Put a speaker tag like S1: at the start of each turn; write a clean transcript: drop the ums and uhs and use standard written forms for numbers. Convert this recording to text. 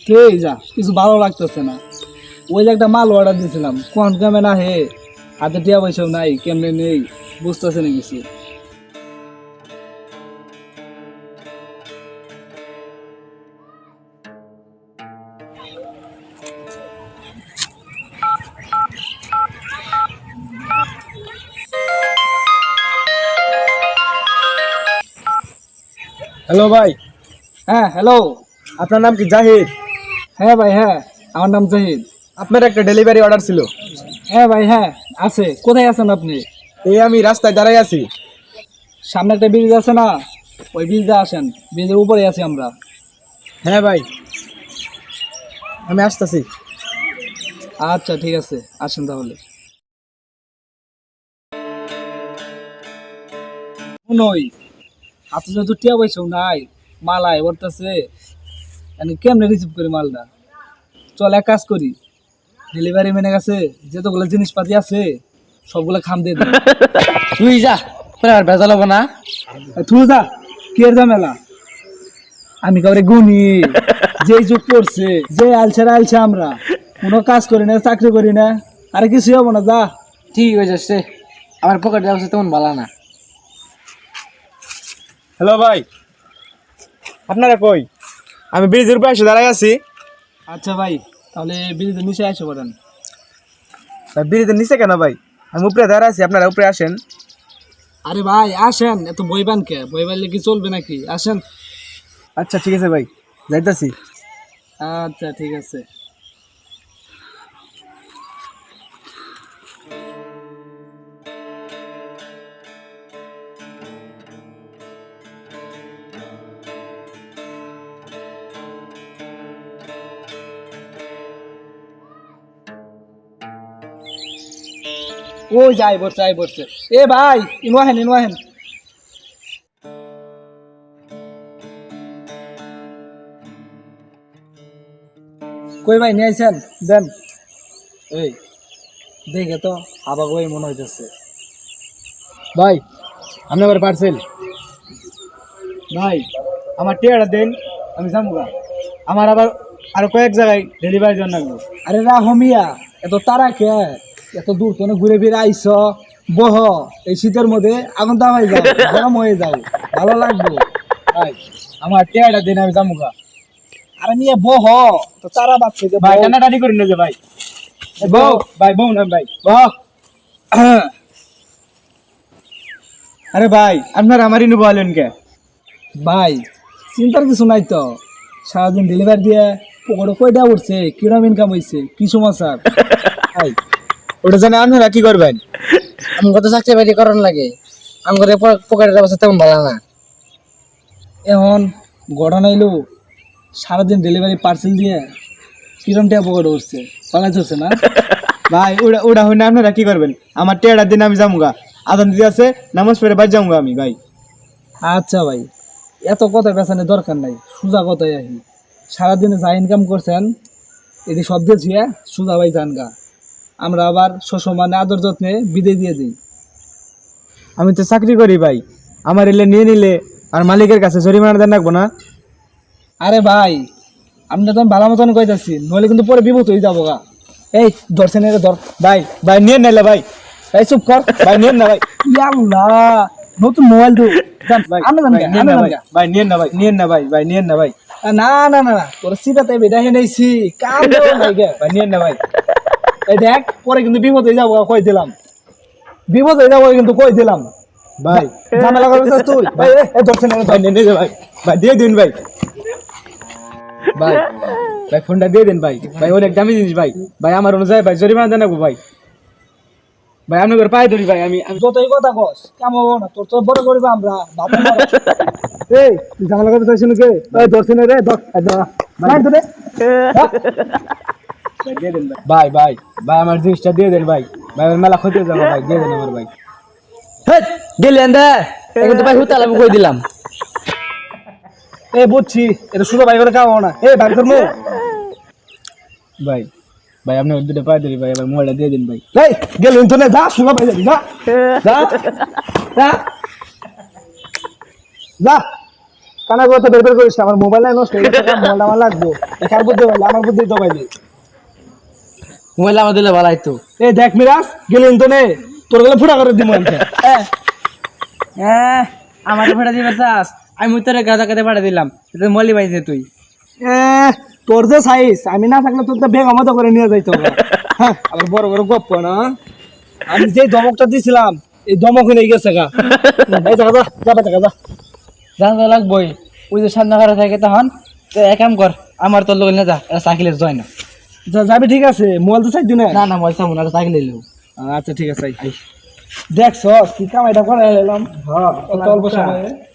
S1: এই যা কিছু ভালো লাগতেছে না। ওই যে একটা মাল অর্ডার দিয়েছিলাম, কোন কামে না হে, হাতে টিয়া পয়সাও নাই, কেমনে নেই বুঝতেছে না কিছু।
S2: হ্যালো ভাই,
S1: হ্যাঁ হ্যালো।
S2: আপনার নাম কি জাহিদ?
S1: হ্যাঁ ভাই, হ্যাঁ আমার নাম জাহিদ।
S2: আপনার একটা ডেলিভারি অর্ডার ছিল।
S1: হ্যাঁ ভাই, হ্যাঁ আছে। কোথায় আছেন আপনি?
S2: এই আমি রাস্তায় দাঁড়াই আছি।
S1: সামনে একটা ব্রিজ আছে না, ওই ব্রিজে আসেন, ব্রিজের উপরে আছি আমরা।
S2: হ্যাঁ ভাই, আমি আসতেছি।
S1: আচ্ছা ঠিক আছে, আসেন তাহলে। শুনোই, হাতে যেহেতু টিয়া পয়সাও নাই, মালায় বলতেছে, কেমনে রিসিভ করি মালটা? চল এক কাজ করি, ডেলিভারি ম্যানের কাছে যতগুলো জিনিসপাতি আছে সবগুলো খাম দিয়ে দিই।
S3: তুই যা, তোর আর ভেজাল হবো না।
S1: তুই যা, কি এর ঝামেলা? আমি কাউরে গুনি, যে যুগ করছে, যে আলছে আমরা কোনো কাজ করি না, চাকরি করি না, আরে কিছু হবো না, যা।
S3: ঠিক হয়ে যাচ্ছে, আমার পকেট ব্যবস্থা তেমন ভালো না।
S2: হ্যালো ভাই, আপনারা কই? আমি ব্রিজের উপরে এসে দাঁড়াই আছি।
S1: আচ্ছা ভাই, তাহলে ব্রিজের নিচে আসে পড়েন।
S2: ব্রিজের নিচে কেন ভাই? আমি উপরে দাঁড়াই আছি, আপনারা উপরে আসেন।
S1: আরে ভাই আসেন, এত বইবান কে? বইবানলে কি চলবে নাকি? আসেন।
S2: আচ্ছা ঠিক আছে ভাই, যাইতাছি।
S1: আচ্ছা ঠিক আছে। ও যাই বসছে। এ ভাই, ইনওয়াহেন। কই ভাই নিয়ে আইছেন? দেন। এই দেখে তো আবার ওই মনে হইতেছে।
S2: ভাই, আপনি আবার পার্সেল। ভাই, আমার টিয়াটা দেন, আমি যাবো গা। আমার আবার আরো কয়েক জায়গায় ডেলিভারি দেওয়ার লাগবে।
S1: আরে রাহমিয়া, এত তারা কে? এত দূর তো ঘুরে ফিরে আইস, বহ এই শীতের মধ্যে আগুন দামাই যাও, গরম হয়ে যাও, ভালো লাগবে।
S2: ভাই, আমার টিয়াটা দেন, আমি যাবো গা।
S1: আরে নিয়ে বহ, তো তারা বাচ্চা যে
S2: ভাই,
S1: বউ।
S2: টানাটানি করেন না যে ভাই। বউ, ভাই বউ না ভাই, বউ। আরে ভাই, আপনার আমারই নেবো আলেন কে?
S1: ভাই চিন্তার কিছু নাই তো, সারাদিন ডেলিভারি দিয়ে পকেটে কয়টা উঠছে, কিরম ইনকাম হয়েছে, কি সমাচার?
S2: ভাই, ওটা জানে আপনারা কি করবেন?
S3: আমি কত চাকরি বাকরি করার লাগে, আমার পকেটের অবস্থা তেমন ভালো না।
S1: এখন ঘটনা এলো, সারাদিন ডেলিভারি পার্সেল দিয়ে কিরম টাকা পকেটে উঠছে, পালাই চলছে না?
S2: ভাই, ওটা ওটা হইলে আপনারা কি করবেন? আমার টিয়াটার দিন আমি যাবো গা। আদান দিদি আছে, নামাজ পড়ে বাদ যাবো আমি ভাই।
S1: আচ্ছা ভাই, এত কথা পেছানোর দরকার নাই, সোজা কথাই আহি। সারাদিনে যা ইনকাম করছেন এটি সব দিয়েছি, সোজা ভাই যান গা। আমরা আবার সসম্মানে আদর যত্নে বিদায় দিয়ে দিই।
S2: আমি তো চাকরি করি ভাই, আমার এলে নিয়ে নিলে আর মালিকের কাছে জরিমানা দেন রাখবো না?
S1: আরে ভাই, আপনি তো আমি ভালো মতন কইতাছি, নইলে কিন্তু পরে বিপদ হয়ে যাবো গা। এই ধরছেন, এর ধর।
S2: ভাই, ভাই নিয়ে নাইলে ভাই।
S1: এই চুপ কর।
S2: ভাই নিয়েন না ভাই।
S1: ইয়াল্লাহ, নতুন মোবাইল তো
S2: ভাই, ভাই নিয়েন না ভাই। ভাই নিয়েন না ভাই, নিয়েন না ভাই, ভাই নিয়েন না ভাই।
S1: না, তোর সিটাতে বেটা হেনেছি, কাম দেও নাই গে।
S2: ভাই নিয়েন না ভাই।
S1: এই দেখ, পরে কিন্তু বিপদ হয়ে যাবো, কই দিলাম। বিপদ হয়ে যাবো কিন্তু কই দিলাম।
S2: ভাই,
S1: ঝামেলা করছিস তুই?
S2: ভাই, এই ধরছেন, ভাই নিয়ে নিয়ে ভাই। ভাই দিয়ে দিন ভাই। ভাই, ভাই ফোনটা দিয়ে দিন ভাই। ভাই অনেক দামি জিনিস ভাই। ভাই আমার অনুযায়ী ভাই জরিমানা দেন রাখবো ভাই। ভাই আমি করে পায়ে ধরি ভাই। আমি
S1: যতই কথা কস কেমন হবো না, তোর তো বড় করবো আমরা বাবা। এই তুই ঝামেলা করতে চাইছিস নাকি? এই ধরছি না রে, ধর। ভাই ধরে
S2: দিয়ে দেন ভাই। ভাই, ভাই আমার জিনিসটা দিয়ে দেন ভাই। ভাই আমার মেলা ক্ষতি হয়ে যাবে ভাই, দিয়ে দেন আমার ভাই।
S3: গেলেন দে, এখন তো ভাই হুতাল আমি কই দিলাম।
S1: এই বুঝছি, এটা শুধু ভাই করে খাওয়া না। এই ভাই ধর্ম
S2: ভাই, ভাই আপনি দুটো পায়ে ধরি ভাই, এবার মোবাইলটা দিয়ে দিন ভাই।
S1: এই গেল ইন্টারনে যা, শুনো ভাই যাবি, যা যা যা যা। কানা কথা বের বের করিস না, আমার মোবাইল নষ্ট হয়ে গেছে, মোবাইল আমার লাগবো। কার বুদ্ধি বললে আমার বুদ্ধি তো পাইলি।
S3: মোবাইল আমার দিলে ভালো হইতো।
S1: এ দেখ মিরাজ গেলেন তো নে, তোর গেলে ফুটা করে দিব আমি।
S3: আমার ভাড়া দিবে চাস, আমি তোরে গাদা কাতে ভাড়া দিলাম, মলি পাইছে তুই।
S1: তোর যে সাইজ, আমি না থাকলে তোর তো বেগা মতো করে নিয়ে যাইতো। হ্যাঁ আবার বড় বড় গপ্প না, আমি যে ধমকটা দিছিলাম এই ধমক হয়ে গেছে গা। এই জায়গা যা, যাবে জায়গা যা।
S3: জানতে লাগবই, ওই যে সামনে ঘরে থাকে তখন তো এক কাম কর, আমার তোর লোক না যা, সাইকেলে জয় না।
S1: যাবি ঠিক আছে, মোবাইল তো চাই দিনে।
S3: না না মোবাইল সামনে সাইকেল এলো।
S1: আচ্ছা ঠিক আছে, দেখছ কি কামাইটা করে এলাম। হ্যাঁ অল্প সময়ে।